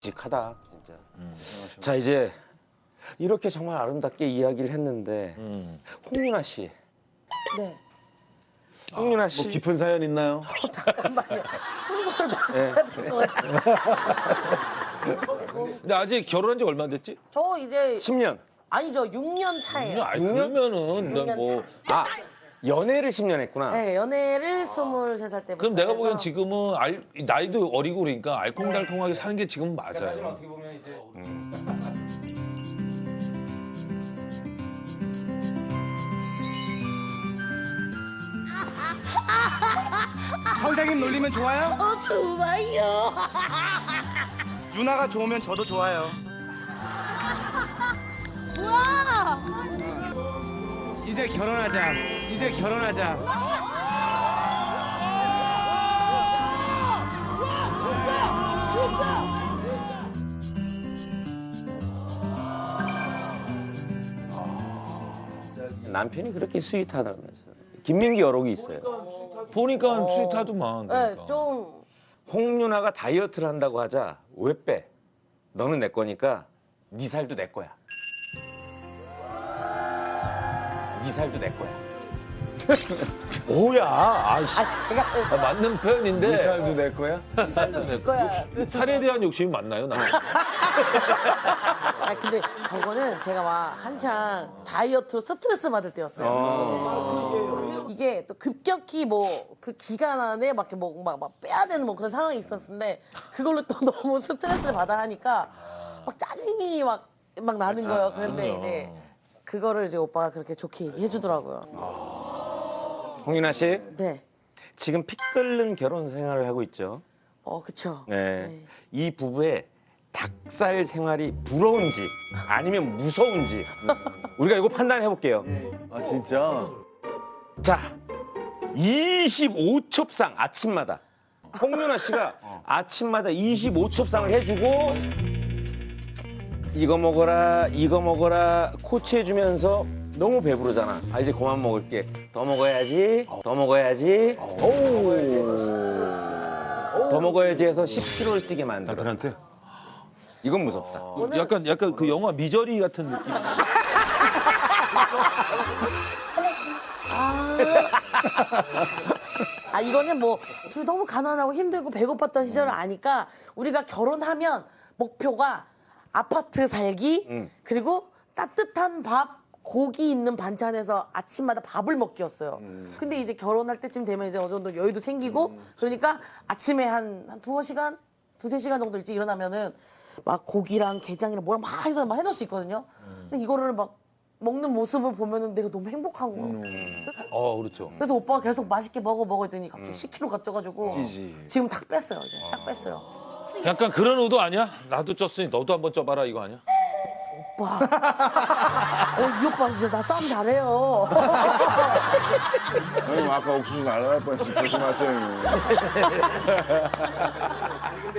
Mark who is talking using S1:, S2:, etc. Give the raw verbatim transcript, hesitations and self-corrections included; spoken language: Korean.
S1: 직하다 진짜. 음. 자 이제 이렇게 정말 아름답게 이야기를 했는데 음. 홍윤아 씨.
S2: 네.
S1: 홍윤아 씨.
S3: 뭐 깊은 사연 있나요?
S2: 어, 잠깐만요. 순서를 바꿔야 될 것 같아요.
S4: 근데 아직 결혼한 지 얼마 됐지?
S2: 저 이제
S1: 십 년.
S2: 아니죠. 육 년 차예요.
S4: 아니, 그러면은
S2: 육 년
S4: 뭐
S1: 아 연애를 십 년 했구나.
S2: 네, 연애를 스물세 살 때부터.
S4: 그럼 내가
S2: 해서
S4: 보기엔 지금은 알, 나이도 어리고 그러니까 알콩달콩하게 사는 게 지금 맞아요.
S1: 어떻게 보면 이제
S5: 선생님 놀리면 좋아요?
S2: 어, 좋아요.
S5: 누나가 좋으면 저도 좋아요.
S2: 와!
S5: 이제 결혼하자. 이제 결혼하자.
S1: 남편이 그렇게 스윗하다면서. 김민기 여록이 있어요.
S4: 보니까 스윗하더만.
S2: 네,
S4: 그러니까.
S2: 좀
S1: 홍윤아가 다이어트를 한다고 하자. 왜 빼? 너는 내 거니까 네 살도 내 거야. 네 살도 내 거야.
S4: 뭐야? 아이씨.
S2: 아, 제가
S4: 아, 맞는 표현인데
S3: 이 살도 내 거야?
S2: 될 거야.
S4: 살에 대한 욕심이 맞나요? 나.
S2: 아, 근데 저거는 제가 막 한창 다이어트로 스트레스 받을 때였어요.
S1: 어.
S2: 이게 또 급격히 뭐 그 기간 안에 막, 뭐, 막, 막 빼야 되는 뭐 그런 상황이 있었는데 그걸로 또 너무 스트레스를 받아 하니까 막 짜증이 막, 막 나는 거예요. 그런데 이제 그거를 이제 오빠가 그렇게 좋게 얘기해 주더라고요.
S1: 홍윤아 씨,
S2: 네.
S1: 지금 피 끓는 결혼 생활을 하고 있죠.
S2: 어, 그쵸.
S1: 네.
S2: 네.
S1: 이 부부의 닭살 생활이 부러운지 아니면 무서운지 우리가 이거 판단해 볼게요.
S3: 아 진짜?
S1: 자, 이십오 첩상 아침마다 홍윤아 씨가 아침마다 이십오 첩상을 해주고 이거 먹어라, 이거 먹어라 코치해주면서 너무 배부르잖아. 아 이제 그만 먹을게. 더 먹어야지, 더 먹어야지. 더 먹어야지 해서 십 킬로그램를 찌게 만들어.
S3: 남편한테?
S1: 이건 무섭다.
S4: 약간 약간 그 영화 미저리 같은 느낌.
S2: 아, 이거는 뭐 둘 너무 가난하고 힘들고 배고팠던 시절을 아니까 우리가 결혼하면 목표가 아파트 살기
S1: 음.
S2: 그리고 따뜻한 밥 고기 있는 반찬에서 아침마다 밥을 먹기였어요. 근데 이제 결혼할 때쯤 되면 이제 어느 정도 여유도 생기고 그러니까 아침에 한, 한 두어 시간, 두세 시간 정도 일찍 일어나면은 막 고기랑 게장이랑 뭐랑 막 해서 막 해놓을 수 있거든요. 근데 이거를 막 먹는 모습을 보면은 내가 너무 행복한 거야.
S4: 어, 그렇죠.
S2: 그래서 오빠가 계속 맛있게 먹어 먹어 했더니 갑자기 십 킬로그램가 쪄가지고 지금 다 뺐어요 이제 싹 뺐어요.
S4: 약간 그런 의도 아니야? 나도 쪘으니 너도 한번 쪄봐라 이거 아니야?
S2: 오빠, 어, 이 오빠 진짜 나 싸움 잘해요.
S3: 형님 아까 옥수수 날아갈 뻔했어. 조심하세요 형님.